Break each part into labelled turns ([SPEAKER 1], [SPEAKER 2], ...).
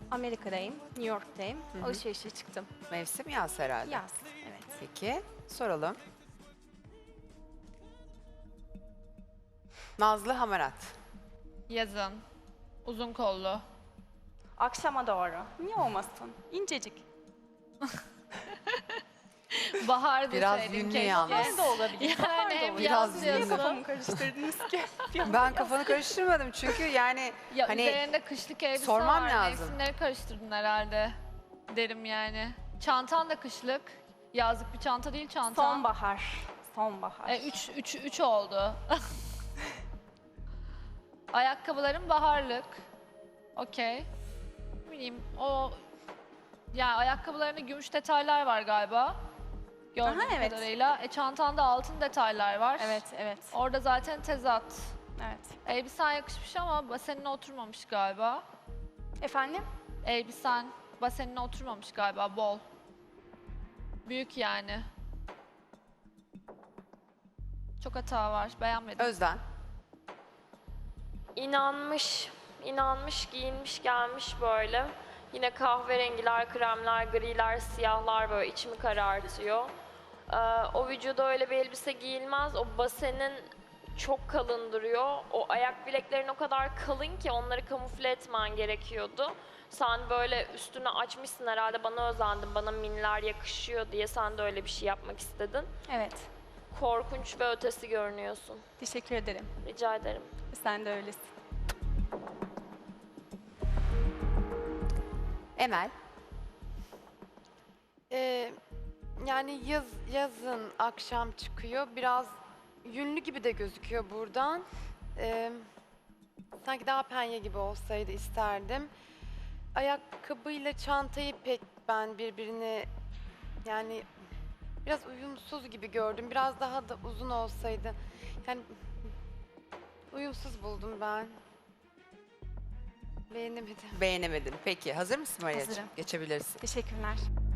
[SPEAKER 1] Amerika'dayım, New York'tayım. Alışverişe çıktım.
[SPEAKER 2] Mevsim yaz herhalde.
[SPEAKER 1] Yaz, evet.
[SPEAKER 2] Peki, soralım. Nazlı Hamarat.
[SPEAKER 3] Yazın. Uzun kollu.
[SPEAKER 1] Akşama doğru. Niye olmasın? İncecik.
[SPEAKER 3] Bahar
[SPEAKER 2] Biraz
[SPEAKER 3] deseydin
[SPEAKER 2] ünlü
[SPEAKER 3] keşke.
[SPEAKER 2] yalnız.
[SPEAKER 1] Bahar da olabilir.
[SPEAKER 3] Yani
[SPEAKER 1] bahar da
[SPEAKER 3] hem
[SPEAKER 1] olabilir.
[SPEAKER 2] Biraz
[SPEAKER 3] yaz
[SPEAKER 2] yeni.
[SPEAKER 1] Niye
[SPEAKER 3] yazın.
[SPEAKER 1] kafamı karıştırdınız ki?
[SPEAKER 2] Ben kafanı karıştırmadım çünkü yani
[SPEAKER 3] Ya
[SPEAKER 2] hani
[SPEAKER 3] üzerinde kışlık elbise
[SPEAKER 2] sormam
[SPEAKER 3] var.
[SPEAKER 2] lazım.
[SPEAKER 3] Mevsimleri karıştırdın herhalde. Derim yani. Çantan da kışlık. Yazlık bir çanta değil çantan.
[SPEAKER 1] Sonbahar. Sonbahar.
[SPEAKER 3] Üç oldu. Ayakkabıların baharlık. Okey. Ne bileyim o... Yani ayakkabılarında gümüş detaylar var galiba. Gördüğüm
[SPEAKER 1] Aha, evet.
[SPEAKER 3] kadarıyla. Çantanda altın detaylar var.
[SPEAKER 1] Evet, evet.
[SPEAKER 3] Orada zaten tezat.
[SPEAKER 1] Evet.
[SPEAKER 3] Elbisen yakışmış ama basenine oturmamış galiba.
[SPEAKER 1] Efendim?
[SPEAKER 3] Elbisen basenine oturmamış galiba, bol. Büyük yani. Çok hata var, beğenmedim.
[SPEAKER 2] Özden.
[SPEAKER 4] İnanmış, giyinmiş gelmiş böyle. Yine kahverengiler, kremler, griler, siyahlar böyle içimi karartıyor. O vücuda öyle bir elbise giyilmez. O basenin çok kalın duruyor. O ayak bileklerin o kadar kalın ki onları kamufle etmen gerekiyordu. Sen böyle üstünü açmışsın herhalde, bana özendin, bana miniler yakışıyor diye sen de öyle bir şey yapmak istedin.
[SPEAKER 1] Evet.
[SPEAKER 4] Korkunç ve ötesi görünüyorsun.
[SPEAKER 1] Teşekkür ederim.
[SPEAKER 4] Rica ederim.
[SPEAKER 1] Sen de öylesin.
[SPEAKER 2] Emel.
[SPEAKER 5] Yani yazın akşam çıkıyor. Biraz yünlü gibi de gözüküyor buradan. Sanki daha penye gibi olsaydı isterdim. Ayakkabıyla çantayı pek ben birbirine yani biraz uyumsuz gibi gördüm. Biraz daha da uzun olsaydı. Yani uyumsuz buldum ben. Beğenemedim.
[SPEAKER 2] Beğenemedim. Peki, hazır mısın Maria'cığım?
[SPEAKER 1] Hazırım.
[SPEAKER 2] Geçebilirsin.
[SPEAKER 1] Teşekkürler.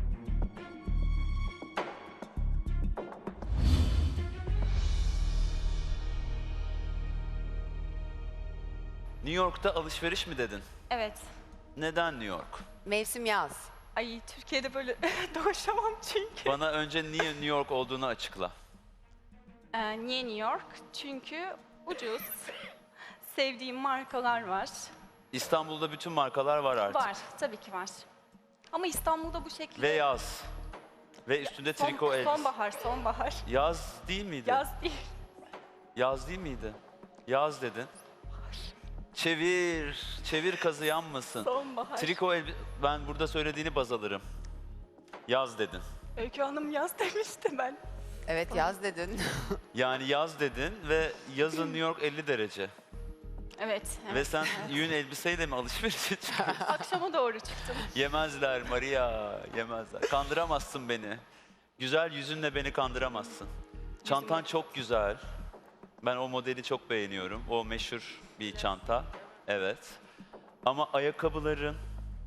[SPEAKER 6] New York'ta alışveriş mi dedin?
[SPEAKER 1] Evet.
[SPEAKER 6] Neden New York?
[SPEAKER 2] Mevsim yaz.
[SPEAKER 1] Ay Türkiye'de böyle dolaşamam çünkü.
[SPEAKER 6] Bana önce niye New York olduğunu açıkla.
[SPEAKER 1] Niye New York? Çünkü ucuz. Sevdiğim markalar var.
[SPEAKER 6] İstanbul'da bütün markalar var artık.
[SPEAKER 1] Var, tabii ki var. Ama İstanbul'da bu şekilde...
[SPEAKER 6] Ve yaz. Ve üstünde triko elbise.
[SPEAKER 1] Sonbahar, sonbahar.
[SPEAKER 6] Yaz değil miydi?
[SPEAKER 1] Yaz değil.
[SPEAKER 6] Yaz değil miydi? Yaz dedin. Çevir, çevir kazı yanmasın.
[SPEAKER 1] Sonbahar.
[SPEAKER 6] Triko elbise, ben burada söylediğini baz alırım. Yaz dedin.
[SPEAKER 1] Öykü Hanım yaz demişti ben.
[SPEAKER 2] Evet, yaz dedin.
[SPEAKER 6] Yani yaz dedin ve yazın New York 50 derece.
[SPEAKER 1] Evet. evet.
[SPEAKER 6] Ve sen yün elbiseyle mi alışverişe çıkıyorsun?
[SPEAKER 1] Akşama doğru çıktım.
[SPEAKER 6] Yemezler Maria, yemezler. Kandıramazsın beni. Güzel yüzünle beni kandıramazsın. Çantan çok güzel. Ben o modeli çok beğeniyorum. O meşhur bir çanta. Evet. Ama ayakkabıların,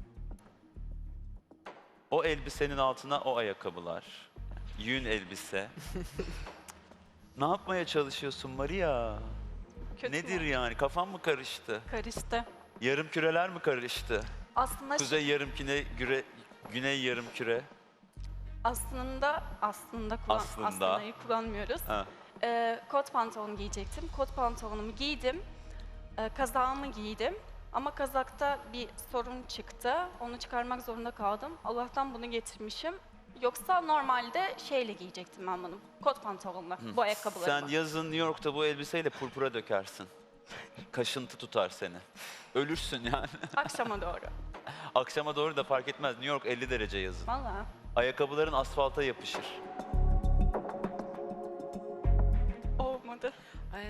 [SPEAKER 6] o elbisenin altına o ayakkabılar. Yün elbise. Ne yapmaya çalışıyorsun Maria?
[SPEAKER 1] Kötü
[SPEAKER 6] Nedir
[SPEAKER 1] mü?
[SPEAKER 6] yani? Kafan mı karıştı?
[SPEAKER 1] Karıştı.
[SPEAKER 6] Yarım küreler mi karıştı?
[SPEAKER 1] Aslında
[SPEAKER 6] Kuzey yarım küre, güney yarım küre.
[SPEAKER 1] aslında
[SPEAKER 6] Aslında.
[SPEAKER 1] aslında'yı kullanmıyoruz.
[SPEAKER 6] Ha.
[SPEAKER 1] Kot pantolon giyecektim. Kot pantolonumu giydim. Kazağımı giydim. Ama kazakta bir sorun çıktı. Onu çıkarmak zorunda kaldım. Allah'tan bunu getirmişim. Yoksa normalde şeyle giyecektim ben bunu. Kot pantolonla, bu ayakkabılarımı.
[SPEAKER 6] Sen yazın New York'ta bu elbiseyle purpura dökersin. Kaşıntı tutar seni. Ölürsün yani.
[SPEAKER 1] Akşama doğru.
[SPEAKER 6] Akşama doğru da fark etmez. New York 50 derece yazın.
[SPEAKER 1] Vallahi.
[SPEAKER 6] Ayakkabıların asfalta yapışır.
[SPEAKER 1] Olmadı.
[SPEAKER 7] Ay,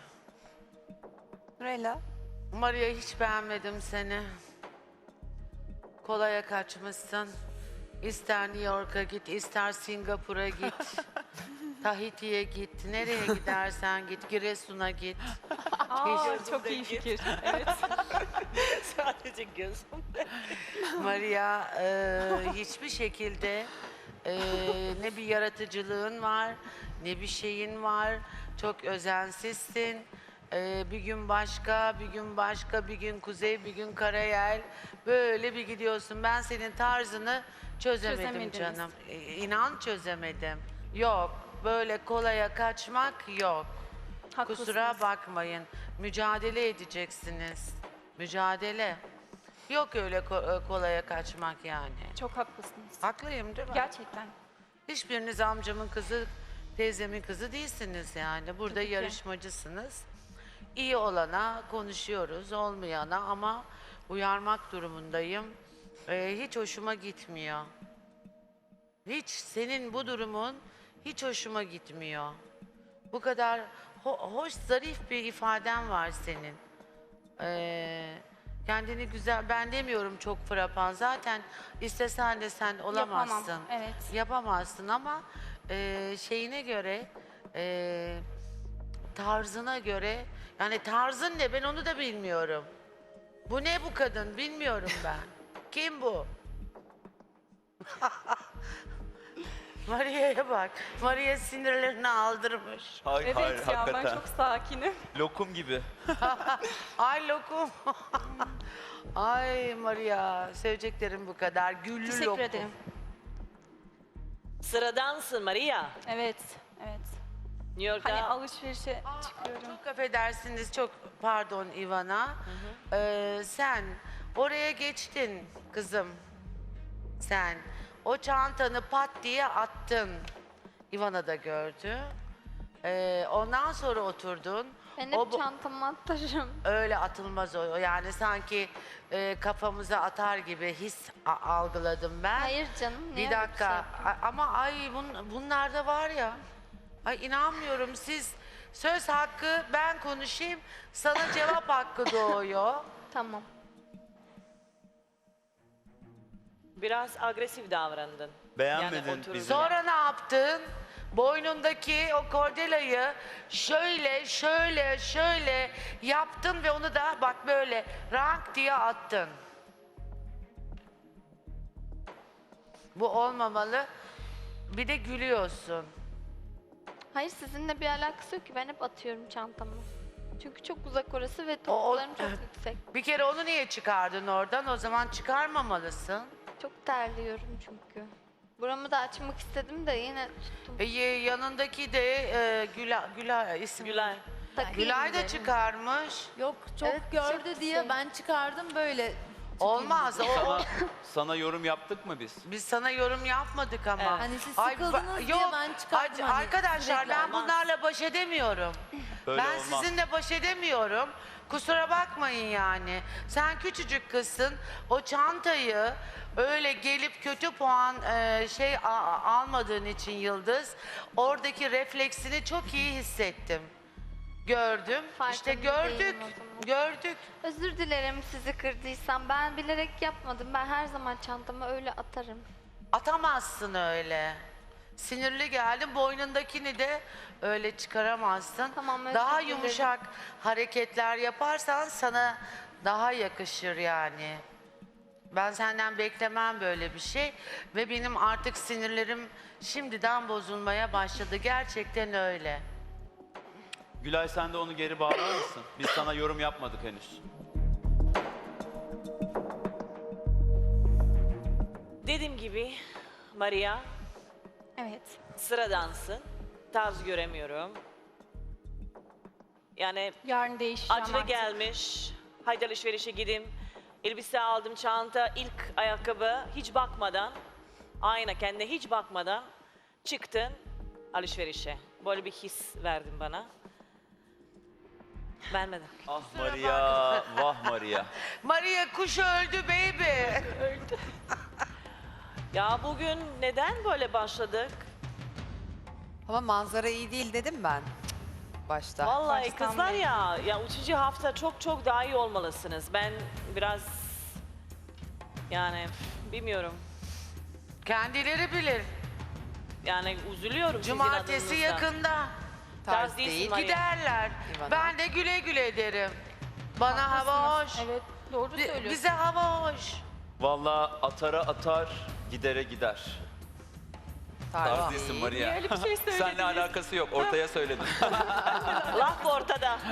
[SPEAKER 2] Nurella.
[SPEAKER 7] Maria hiç beğenmedim seni. Kolaya kaçmışsın. İster New York'a git, ister Singapur'a git. Tahiti'ye git. Nereye gidersen git. Giresun'a git.
[SPEAKER 1] Aa, çok iyi fikir. Evet.
[SPEAKER 7] Sadece gözüm. Maria hiçbir şekilde ne bir yaratıcılığın var, ne bir şeyin var. Çok özensizsin. Bir gün başka, bir gün başka, bir gün kuzey, bir gün karayel. Böyle bir gidiyorsun. Ben senin tarzını çözemedim
[SPEAKER 1] Çözemediniz.
[SPEAKER 7] canım. İnan çözemedim. Yok, böyle kolaya kaçmak yok.
[SPEAKER 1] Haklısınız.
[SPEAKER 7] Kusura bakmayın. Mücadele edeceksiniz. Mücadele. Yok öyle kolaya kaçmak yani.
[SPEAKER 1] Çok haklısınız.
[SPEAKER 7] Haklıyım değil mi?
[SPEAKER 1] Gerçekten.
[SPEAKER 7] Hiçbiriniz amcamın kızı, teyzemin kızı değilsiniz yani. Burada
[SPEAKER 1] Tabii ki.
[SPEAKER 7] yarışmacısınız. İyi olana konuşuyoruz, olmayana ama uyarmak durumundayım. Hiç hoşuma gitmiyor. Hiç senin bu durumun hiç hoşuma gitmiyor. Bu kadar hoş, zarif bir ifaden var senin. Kendini güzel, ben demiyorum çok frapan. Zaten istesen de sen olamazsın.
[SPEAKER 1] Yapamam, evet.
[SPEAKER 7] Yapamazsın ama şeyine göre, tarzına göre, yani tarzın ne ben onu da bilmiyorum. Bu ne bu kadın bilmiyorum ben. Kim bu? Maria'ya bak. Maria sinirlerini aldırmış.
[SPEAKER 6] Hayır,
[SPEAKER 1] Evet
[SPEAKER 6] hayır,
[SPEAKER 1] ya ben
[SPEAKER 6] hakikaten.
[SPEAKER 1] çok sakinim.
[SPEAKER 6] Lokum gibi.
[SPEAKER 7] Ay lokum. Ay Maria, seveceklerim bu kadar. Güllü
[SPEAKER 1] Teşekkür
[SPEAKER 7] lokum.
[SPEAKER 1] ederim.
[SPEAKER 8] Sıradansın Maria.
[SPEAKER 1] Evet, evet.
[SPEAKER 8] New York'ta
[SPEAKER 1] Hani alışverişe çıkıyorum.
[SPEAKER 7] Çok affedersiniz, çok pardon Ivana. Sen oraya geçtin kızım. Sen o çantanı pat diye attın. Ivana da gördü. Ondan sonra oturdun.
[SPEAKER 9] Ben
[SPEAKER 7] O
[SPEAKER 9] hep
[SPEAKER 7] bu-
[SPEAKER 9] çantamı atarım.
[SPEAKER 7] Öyle atılmaz o. Yani sanki kafamıza atar gibi his algıladım ben.
[SPEAKER 9] Hayır canım, niye
[SPEAKER 7] Bir
[SPEAKER 9] öyle
[SPEAKER 7] dakika.
[SPEAKER 9] şey yapayım?
[SPEAKER 7] Ama ay bunlarda var ya. Ay inanmıyorum siz söz hakkı ben konuşayım sana cevap hakkı doğuyor.
[SPEAKER 9] Tamam.
[SPEAKER 8] biraz agresif davrandın.
[SPEAKER 6] Beğenmedin
[SPEAKER 8] Yani otururken.
[SPEAKER 6] bizi.
[SPEAKER 7] Sonra ne yaptın? Boynundaki o kordelayı şöyle yaptın ve onu da bak böyle rank diye attın. Bu olmamalı. Bir de gülüyorsun.
[SPEAKER 9] Hayır, sizinle bir alakası yok ki. Ben hep atıyorum çantamı. Çünkü çok uzak orası ve topuklarım çok yüksek.
[SPEAKER 7] Bir kere onu niye çıkardın oradan? O zaman çıkarmamalısın.
[SPEAKER 9] Çok terliyorum çünkü. Buramı da açmak istedim de yine tuttum.
[SPEAKER 7] Yanındaki de Gülay ismi.
[SPEAKER 8] Gülay.
[SPEAKER 9] Takayım
[SPEAKER 7] Gülay da
[SPEAKER 9] dedim.
[SPEAKER 7] çıkarmış.
[SPEAKER 10] Yok çok
[SPEAKER 9] Evet,
[SPEAKER 10] gördü
[SPEAKER 9] çok
[SPEAKER 10] diye
[SPEAKER 9] şey.
[SPEAKER 10] ben çıkardım böyle.
[SPEAKER 7] Olmaz.
[SPEAKER 6] Sana yorum yaptık mı biz?
[SPEAKER 7] Biz sana yorum yapmadık ama.
[SPEAKER 10] Hani siz
[SPEAKER 7] Ay,
[SPEAKER 10] sıkıldınız diye
[SPEAKER 7] yok,
[SPEAKER 10] ben çıkardım. hani
[SPEAKER 7] arkadaşlar
[SPEAKER 10] sürekli.
[SPEAKER 7] ben bunlarla baş edemiyorum.
[SPEAKER 6] Böyle
[SPEAKER 7] Ben
[SPEAKER 6] olmaz.
[SPEAKER 7] sizinle baş edemiyorum. Kusura bakmayın yani. Sen küçücük kızsın. O çantayı öyle gelip kötü puan almadığın için Yıldız, oradaki refleksini çok iyi hissettim. Gördüm. İşte
[SPEAKER 9] Farkında
[SPEAKER 7] gördük.
[SPEAKER 9] değilim o zaman.
[SPEAKER 7] Gördük.
[SPEAKER 9] Özür dilerim sizi kırdıysam. Ben bilerek yapmadım. Ben her zaman çantamı öyle atarım.
[SPEAKER 7] Atamazsın öyle. Sinirli geldin, boynundakini de öyle çıkaramazsın.
[SPEAKER 9] Tamam, özür
[SPEAKER 7] daha
[SPEAKER 9] dilerim.
[SPEAKER 7] yumuşak hareketler yaparsan sana daha yakışır yani. Ben senden beklemem böyle bir şey ve benim artık sinirlerim şimdiden bozulmaya başladı. Gerçekten öyle.
[SPEAKER 6] Gülay sen de onu geri bağlar mısın? Biz sana yorum yapmadık henüz.
[SPEAKER 8] Dediğim gibi Maria
[SPEAKER 1] Evet.
[SPEAKER 8] sıradansın. Tarz göremiyorum. Yani
[SPEAKER 1] Yarın değişeceğim
[SPEAKER 8] acele
[SPEAKER 1] artık.
[SPEAKER 8] gelmiş. Haydi alışverişe gideyim. Elbise aldım, çanta, ilk ayakkabı hiç bakmadan, ayna kendine hiç bakmadan çıktın alışverişe. Böyle bir his verdin bana. Beğenmedim.
[SPEAKER 6] Ah Maria, vah Maria.
[SPEAKER 7] Maria kuş öldü baby.
[SPEAKER 8] Ya bugün neden böyle başladık?
[SPEAKER 2] Ama manzara iyi değil dedim ben başta.
[SPEAKER 8] Vallahi
[SPEAKER 1] Baştan
[SPEAKER 8] kızlar
[SPEAKER 1] beri.
[SPEAKER 8] ya 3. hafta çok daha iyi olmalısınız. Ben biraz yani bilmiyorum.
[SPEAKER 7] Kendileri bilir.
[SPEAKER 8] Yani üzülüyorum sizin
[SPEAKER 7] Cumartesi
[SPEAKER 8] adınıza.
[SPEAKER 7] yakında.
[SPEAKER 8] Tarz değilsin Maria.
[SPEAKER 7] Giderler.
[SPEAKER 2] İvana.
[SPEAKER 7] Ben de güle güle derim. Bana hava hoş.
[SPEAKER 1] Evet, doğru söylüyorsun.
[SPEAKER 7] Bize hava hoş.
[SPEAKER 6] Vallahi atara atar, gidere gider. Tarz değilsin
[SPEAKER 2] değil.
[SPEAKER 6] Maria.
[SPEAKER 1] Niye öyle bir şey söylediniz?
[SPEAKER 6] Seninle alakası yok. Ortaya söyledim.
[SPEAKER 8] Laf ortada.